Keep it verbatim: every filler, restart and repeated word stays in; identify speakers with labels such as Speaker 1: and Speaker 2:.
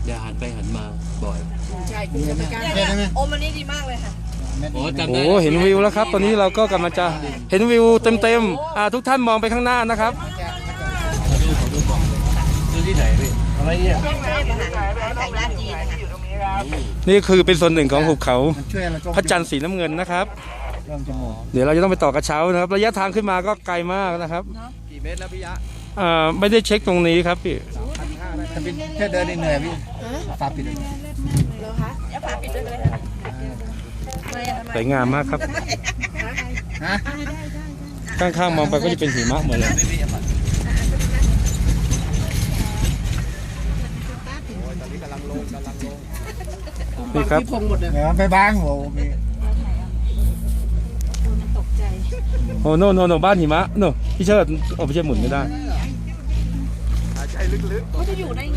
Speaker 1: อย่าหันไปหันมาบ่อย
Speaker 2: ใช่คุณจะไม่กล้าโอ้มันนี่ดีมากเลยค่ะ
Speaker 1: โอ้จำ
Speaker 3: โอ้
Speaker 1: ได้
Speaker 3: เห็นวิวแล้วครับ ตอนนี้เราก็กำลังจะเห็นวิวเต็มๆอ่าทุกท่านมองไปข้างหน้านะครับ
Speaker 1: ดูที่ไหนพี่อะไรเนี่ย
Speaker 2: ไก่ย่างจีนนะคะ
Speaker 3: นี่คือเป็นส่วนหนึ่งของหุบเขา
Speaker 4: ช่วยอะไรก็
Speaker 3: พระจันทร์สีน้ำเงินนะครับ
Speaker 4: เริ่มจมูก
Speaker 3: เดี๋ยวเราจะต้องไปต่อกระเช้านะครับ ระยะทางขึ้นมาก็ไกลมากนะครับ
Speaker 1: กี่เมตรแล้วพี่ยะ
Speaker 3: อ่าไม่ได้เช็คตรงนี้ครับพี่
Speaker 4: ถ้าเป็นแค่เดินเหนื่อยพี่ฝาปิด
Speaker 2: เหรอคะอย่าฝาปิดด้วยเลยค่ะไม่อะทำไม
Speaker 3: สวยงามมากครับ
Speaker 4: ฮะ
Speaker 3: ข้างๆมองไปก็จะเป็นหิมะหมดเลยนี่ครับ
Speaker 4: เดี๋ยวไปบ้างโหมี
Speaker 3: โอ้โนโนโนบ้านหิมะโนพี่เชิดโอ้พี่เชิดหมุนไม่ได้
Speaker 2: เขาจะอยู่ได้